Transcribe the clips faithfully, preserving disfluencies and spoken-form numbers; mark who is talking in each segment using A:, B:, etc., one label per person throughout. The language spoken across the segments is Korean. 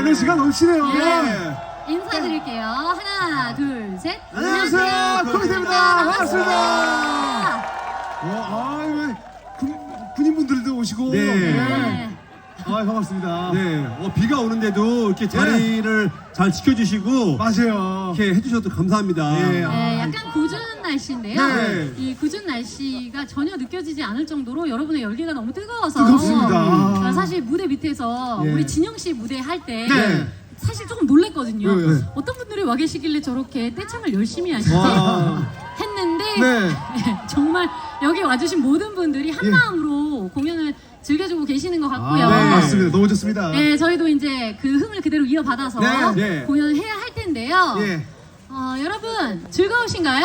A: 에너지가 넘치네요.
B: 네.
A: 예.
B: 인사드릴게요. 하나, 둘, 셋.
A: 안녕하세요, 코이트입니다. 반갑습니다.
B: 반갑습니다.
A: 어, 아유, 군, 군인분들도 오시고.
C: 네.
B: 네.
A: 아, 반갑습니다.
C: 네, 어, 비가 오는데도 이렇게 자리를 잘 지켜주시고
A: 맞아요.
C: 이렇게 해주셔서 감사합니다.
A: 예.
B: 네, 약간 궂은 날씨인데요.
C: 네.
B: 이 궂은 날씨가 전혀 느껴지지 않을 정도로 여러분의 열기가 너무 뜨거워서
A: 뜨겁습니다.
B: 어, 사실 무대 밑에서
C: 예.
B: 우리 진영 씨 무대 할 때
A: 네.
B: 사실 조금 놀랬거든요.
A: 네, 네.
B: 어떤 분들이 와 계시길래 저렇게 떼창을 열심히 하시지
C: 와.
B: 했는데
A: 네.
B: 정말 여기 와주신 모든 분들이 한
A: 예.
B: 마음으로 공연을 즐겨주고 계시는 것 같고요.
A: 아, 네.
C: 네.
A: 맞습니다. 너무 좋습니다.
B: 네, 저희도 이제 그 흥을 그대로 이어받아서
A: 네,
C: 네.
B: 공연을 해야 할 텐데요.
A: 예.
B: 어, 여러분 즐거우신가요?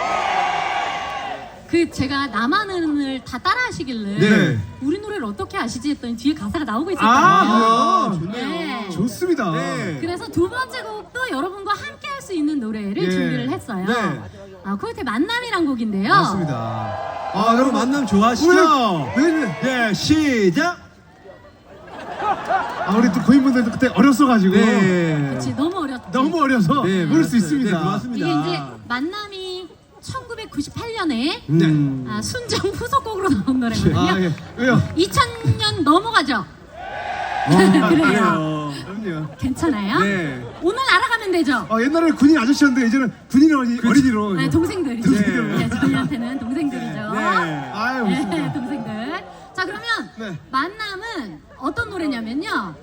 B: 그 제가 나만은을 다 따라하시길래
C: 네.
B: 우리 노래를 어떻게 아시지 했더니 뒤에 가사가 나오고 있었거든요.
A: 아,
C: 아, 좋네요.
B: 네.
A: 좋습니다.
C: 네.
B: 그래서 두 번째 곡도 여러분과 함께 할 수 있는 노래를
A: 예.
B: 준비를 했어요.
C: 네.
B: 아, 코요태 만남이란 곡인데요.
A: 맞습니다.
C: 아, 여러분 만남 좋아하시죠?
A: 왜, 왜,
C: 네, 시작!
A: 아, 우리 또 고인분들도 그때 어렸어가지고.
C: 네.
B: 그치, 너무 어렸지.
A: 너무 어려서
C: 네,
A: 모를 수
C: 맞습니다.
A: 있습니다.
C: 네, 맞습니다.
B: 이게 이제 만남이 천구백구십팔 년에
C: 음.
B: 아, 순정 후속곡으로 나온 노래거든요.
A: 아, 예. 왜요?
B: 이천 년 넘어가죠?
C: 아,
B: 그래요.
A: 그럼요.
B: 괜찮아요?
C: 네.
B: 오늘 알아가면 되죠?
A: 아, 옛날에는 군인 아저씨였는데 이제는 군인 어린이, 어린이로.
B: 네, 동생들이죠.
A: 동생들.
B: 네, 저희한테는 동생들이죠.
C: 네.
A: 아유,
B: 네,
A: 좋습니다.
B: 동생들. 자, 그러면
A: 네.
B: 만남은 어떤 노래냐면요.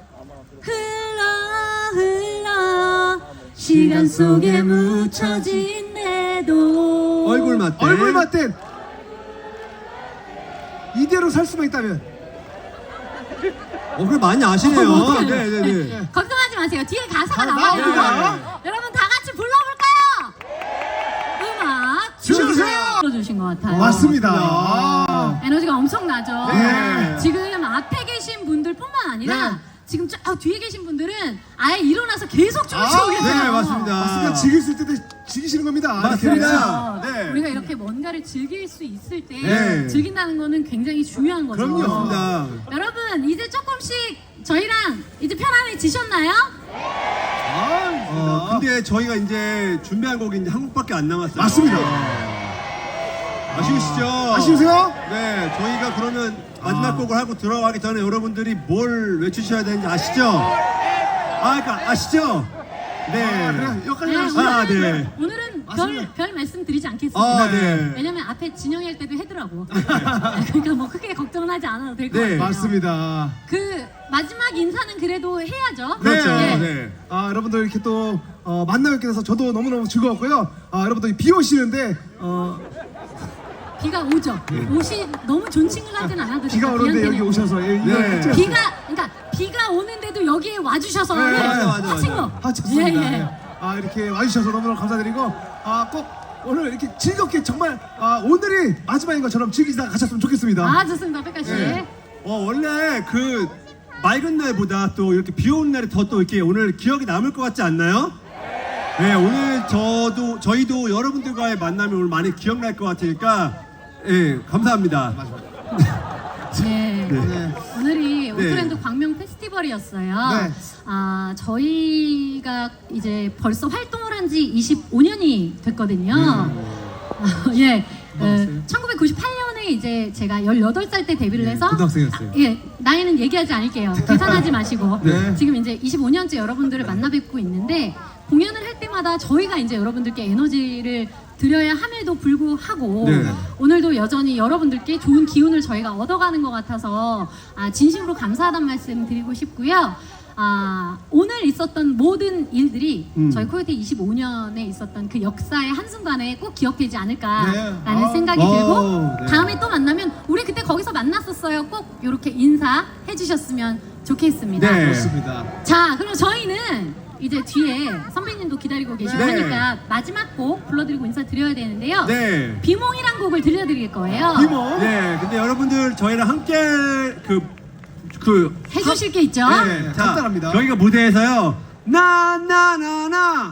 B: 흘러 흘러 시간 속에 묻혀진 내도
C: 얼굴 맞대.
A: 얼굴 맞댄 이대로 살 수만 있다면.
C: 어, 그걸 많이 아시네요.
B: 어,
C: 네, 네, 네.
B: 걱정하지 마세요. 뒤에 가사가
A: 아,
B: 나와요.
A: 나와요.
B: 여러분 다 같이 불러볼까요? 음악
A: 주세요.
B: 불러주신 것 같아요.
A: 맞습니다.
C: 아.
A: 아.
B: 에너지가 엄청나죠.
A: 네.
B: 지금 앞에 계신 분들뿐만 아니라
A: 네.
B: 지금 저 뒤에 계신 분들은 아예 일어나서 계속 춤추고
A: 아,
B: 계세요.
C: 네, 맞습니다.
A: 맞습니다. 즐길 수 있을 때 즐기시는 겁니다.
C: 맞습니다.
B: 그래서
C: 네.
B: 우리가 이렇게 뭔가를 즐길 수 있을 때
C: 네.
B: 즐긴다는 거는 굉장히 중요한 거죠.
A: 그럼요.
C: 맞습니다.
B: 여러분 이제 조금씩 저희랑 이제 편안해지셨나요?
A: 아,
C: 어, 근데 저희가 이제 준비한 곡이 이제 한 곡밖에 안 남았어요.
A: 맞습니다.
C: 아쉬우시죠?
A: 아쉬우세요?
C: 네, 저희가 그러면 마지막 곡을 하고 들어가기 전에 여러분들이 뭘 외치셔야 되는지 아시죠? 아, 그러니까 아시죠? 네.
A: 그래, 여기까지
B: 네,
A: 하시죠.
C: 아,
B: 오늘은,
C: 네.
B: 오늘은 별,
A: 맞습니다.
B: 별 말씀 드리지 않겠습니다.
C: 아, 네.
B: 왜냐면 앞에 진영이 할 때도 해더라고. 그러니까 뭐 크게 걱정은 하지 않아도 될 것
C: 네,
B: 같아요.
A: 맞습니다.
B: 그 마지막 인사는 그래도 해야죠.
C: 그렇죠.
A: 네.
C: 네.
A: 아, 여러분들 이렇게 또 어, 만나뵙게 돼서 저도 너무너무 즐거웠고요. 아, 여러분들 비 오시는데 어,
B: 비가 오죠. 옷이 너무 존칭을 하진 않아도 돼요.
A: 비가 오는데 여기 오셔서 예, 이거
C: 네.
A: 끝이었어요.
B: 비가 그러니까 비가 오는데도 여기에 와주셔서
A: 네,
B: 네,
C: 맞아, 맞아,
B: 하신
C: 맞아.
B: 거.
A: 아, 좋습니다.
B: 예, 예.
A: 예. 아, 이렇게 와주셔서 너무너무 감사드리고 아, 꼭 오늘 이렇게 즐겁게 정말 아, 오늘이 마지막인 것처럼 즐기다 가셨으면 좋겠습니다.
B: 아 좋습니다, 백가 씨.
A: 네.
C: 어, 원래 그 맑은 날보다 또 이렇게 비 오는 날이 더 또 이렇게 오늘 기억이 남을 것 같지 않나요? 네, 오늘 저도 저희도 여러분들과의 만남이 오늘 많이 기억날 것 같으니까 예, 감사합니다.
B: 네.
A: 네.
B: 오늘이
C: 네.
B: 오토랜드 광명 페스티벌이었어요.
A: 네.
B: 아 저희가 이제 벌써 활동을 한 지 이십오 년이 됐거든요. 아, 예. 어, 천구백구십팔 년에 이제 제가 열여덟 살 때 데뷔를
A: 네,
B: 해서
A: 고등학생이었어요.
B: 아, 예, 나이는 얘기하지 않을게요. 계산하지 마시고
A: 네.
B: 지금 이제 이십오 년째 여러분들을 만나 뵙고 있는데 공연을 할 때마다 저희가 이제 여러분들께 에너지를 드려야 함에도 불구하고
C: 네.
B: 오늘도 여전히 여러분들께 좋은 기운을 저희가 얻어가는 것 같아서 아, 진심으로 감사하다는 말씀 드리고 싶고요. 아, 오늘 있었던 모든 일들이
C: 음.
B: 저희 코요태 이십오 년에 있었던 그 역사의 한순간에 꼭 기억되지 않을까라는
A: 네. 아.
B: 생각이
C: 오,
B: 들고
C: 네.
B: 다음에 또 만나면 우리 그때 거기서 만났었어요. 꼭 이렇게 인사해 주셨으면 좋겠습니다.
C: 네.
A: 좋습니다.
B: 자, 그럼 저희는 이제 뒤에 선배님도 기다리고 계시고
C: 네.
B: 하니까 마지막 곡 불러드리고 인사드려야 되는데요.
C: 네.
B: 비몽이란 곡을 들려드릴 거예요.
A: 비모.
C: 네, 근데 여러분들 저희랑 함께 그, 그,
B: 해주실 게 있죠?
A: 네.
C: 자,
A: 간단합니다.
C: 저희가 무대에서요, 나, 나, 나, 나.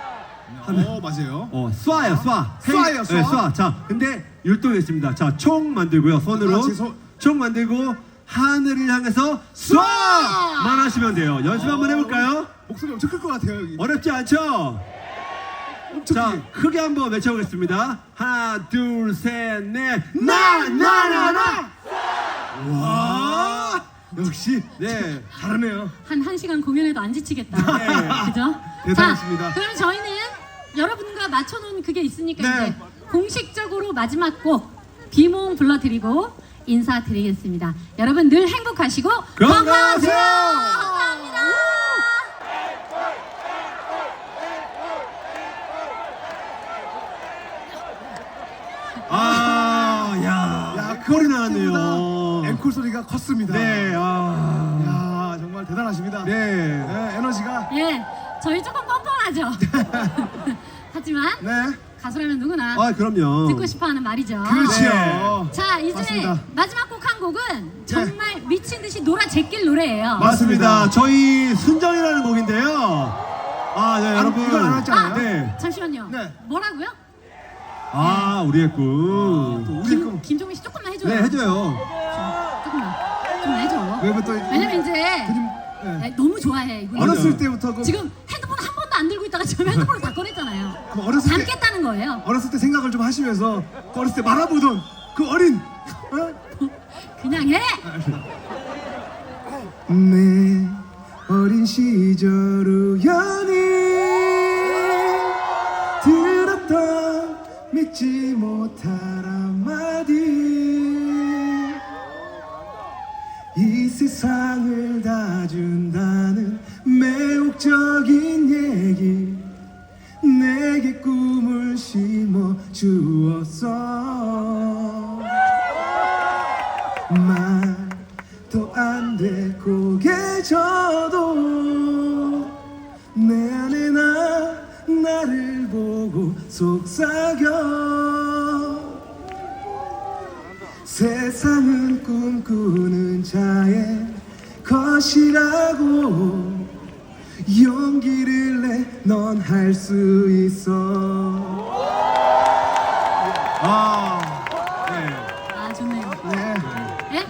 A: 어, 맞아요.
C: 어, 쏴요, 쏴.
A: 쏴요, 쏴.
C: 네, 쏴. 자, 근데 율동이 있습니다. 자, 총 만들고요, 손으로.
A: 아, 제 손-
C: 총 만들고, 하늘을 향해서 쏴만 하시면 돼요. 연습 한번 해볼까요?
A: 목소리 엄청 클 것 같아요 여기.
C: 어렵지 않죠?
A: 엄청
C: 자,
A: 크게.
C: 크게 한번 외쳐보겠습니다. 하나, 둘, 셋, 넷. 나, 나, 나, 나! 와!
A: 역시
C: 네.
A: 잘하네요.
B: 한 1시간 공연해도 안 지치겠다.
C: 네.
B: 그죠?
A: 대단하십니다.
B: 자, 그럼 저희는 여러분과 맞춰놓은 그게 있으니까
C: 네.
B: 이제 공식적으로 마지막 곡 비몽 불러드리고 인사드리겠습니다. 여러분 늘 행복하시고
C: 건강하세요!
B: 감사합니다.
C: 아, 야,
A: 야,
C: 콜이 나왔네요.
A: 앵콜 소리가 컸습니다.
C: 네, 아.
A: 야 정말 대단하십니다.
C: 네.
A: 네, 에너지가.
B: 예, 저희 조금 뻔뻔하죠. 하지만
A: 네.
B: 가수라면 누구나
C: 아, 그럼요.
B: 듣고 싶어하는 말이죠.
A: 그렇지요.
C: 네.
B: 자, 이제
A: 맞습니다.
B: 마지막 곡 한 곡은 정말 미친 듯이 놀아 제낄 노래예요.
C: 맞습니다. 저희 순정이라는 곡인데요. 아, 네,
A: 안-
C: 여러분.
A: 이걸 안 했잖아요.
C: 네.
B: 잠시만요.
A: 네.
B: 뭐라고요?
C: 아, 우리의 꿈.
A: 우리
B: 김,
A: 꿈.
B: 김종민 씨 조금만 해줘요.
C: 네, 해줘요.
B: 조금만. 좀 해줘.
A: 왜냐면 또
B: 왜냐면 이제
A: 그림, 네.
B: 네, 너무 좋아해. 이분은.
A: 어렸을 때부터 그
B: 지금 핸드폰 한 번도 안 들고 있다가 지금 핸드폰을 다 꺼냈잖아요.
A: 그 어렸을 때
B: 담겠다는 거예요.
A: 어렸을 때 생각을 좀 하시면서 그 어렸을 때 말아보던 그 어린 어?
B: 그냥 해.
A: 내 어린 시절 우연히 들었던 믿지 못할 한마디 이 세상을 다 준다는 매혹적인 얘기 내게 꿈을 심어 주었어 말도 안 돼 고개 져도 내 안에 나 나를 보고 속삭여 세상은 꿈꾸는 자의 것이라고 용기를 내 넌 할 수 있어 아,
C: 네.
B: 아 좋네요.
A: 네.
B: 예?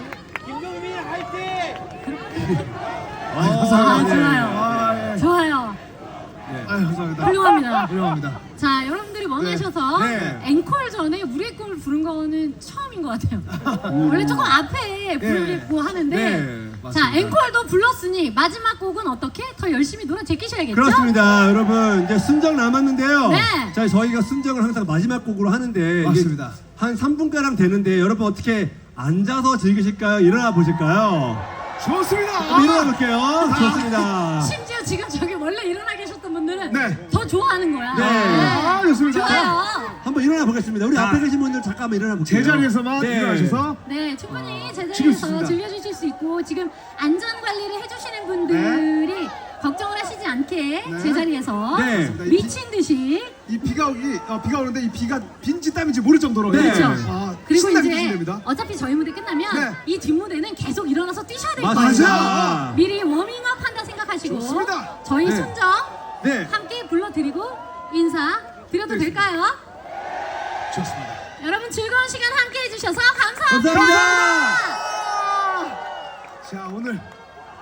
A: 아,
B: 아
A: 감사합니다.
B: 좋아요.
A: 아, 예.
B: 좋아요.
A: 아유, 감사합니다.
B: 훌륭합니다.
A: 훌륭합니다.
B: 자, 여러분들이 원하셔서
C: 네.
B: 앵콜 전에 우리의 꿈을 부른 거는 처음인 것 같아요. 원래 조금 앞에 부르고 하는데
C: 네,
B: 자,
A: 맞습니다.
B: 앵콜도 불렀으니 마지막 곡은 어떻게? 더 열심히 놀아 제끼셔야겠죠?
C: 그렇습니다. 여러분, 이제 순정 남았는데요.
B: 네.
C: 자, 저희가 순정을 항상 마지막 곡으로 하는데.
A: 맞습니다.
C: 이게 한 삼 분가량 되는데, 여러분 어떻게 앉아서 즐기실까요? 일어나 보실까요?
A: 좋습니다.
C: 한번 일어나 볼게요. 좋습니다.
B: 심지어 지금 저기 원래 일어나 계셨던 분들은
A: 네.
B: 더 좋아하는 거야.
C: 네.
A: 아, 좋습니다.
B: 좋아요.
C: 한번 일어나 보겠습니다. 우리
A: 자,
C: 앞에 계신 분들 잠깐만 일어나 볼게요.
A: 제자리에서만
C: 네.
A: 일어나셔서
B: 네, 충분히
A: 어,
B: 제자리에서
A: 즐기겠습니다.
B: 즐겨주실 수 있고 지금 안전 관리를 해주시는 분들이 걱정을 하시지 않게
A: 네.
B: 제자리에서
C: 네.
B: 미친 듯이
A: 이 비가 오기 어, 비가 오는데 이 비가 빈지 땀인지 모를 정도로
C: 네.
B: 그렇죠.
A: 아,
B: 그리고
A: 신나게
B: 이제
A: 뛰시면 됩니다.
B: 어차피 저희 무대 끝나면
A: 네.
B: 이 뒷무대는 계속 일어나서 뛰셔야 될
C: 맞아요.
B: 거예요.
A: 맞아요.
B: 미리 워밍업 한다 생각하시고
A: 좋습니다.
B: 저희
C: 네.
B: 순정
C: 네.
B: 함께 불러드리고 인사 드려도
A: 네.
B: 될까요?
A: 좋습니다.
B: 여러분 즐거운 시간 함께 해주셔서 감사합니다.
C: 감사합니다.
A: 자 오늘